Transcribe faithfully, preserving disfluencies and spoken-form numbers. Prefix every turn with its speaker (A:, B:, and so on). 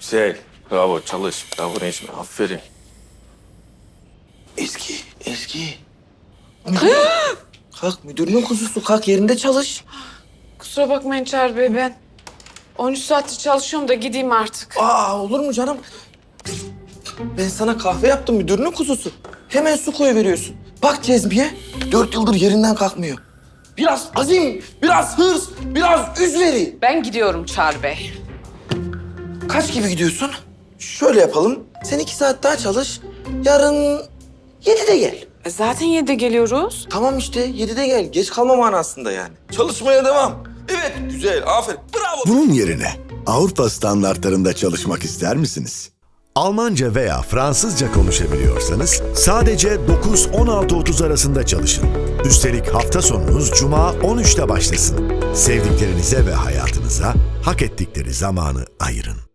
A: Güzel. Bravo, çalış. Bravo Necmi, aferin.
B: Ezgi, Ezgi. Kalk müdürünün kuzusu, kalk yerinde çalış.
C: Kusura bakmayın Çağrı Bey, ben on üç saattir çalışıyorum da gideyim artık.
B: Aa, olur mu canım? Ben sana kahve yaptım müdürünün kuzusu. Hemen su koyuveriyorsun. Bak Cezmiye, dört yıldır yerinden kalkmıyor. Biraz azim, biraz hırs, biraz üzveri.
C: Ben gidiyorum Çağrı Bey.
B: Kaç gibi gidiyorsun? Şöyle yapalım, sen iki saat daha çalış. Yarın yedide gel.
C: E, zaten yedide geliyoruz.
B: Tamam işte, yedide gel. Geç kalma manasında yani. Çalışmaya devam. Evet, güzel, aferin. Bravo.
D: Bunun yerine Avrupa standartlarında çalışmak ister misiniz? Almanca veya Fransızca konuşabiliyorsanız sadece dokuz on altı otuz arasında çalışın. Üstelik hafta sonunuz Cuma on üçte başlasın. Sevdiklerinize ve hayatınıza hak ettikleri zamanı ayırın.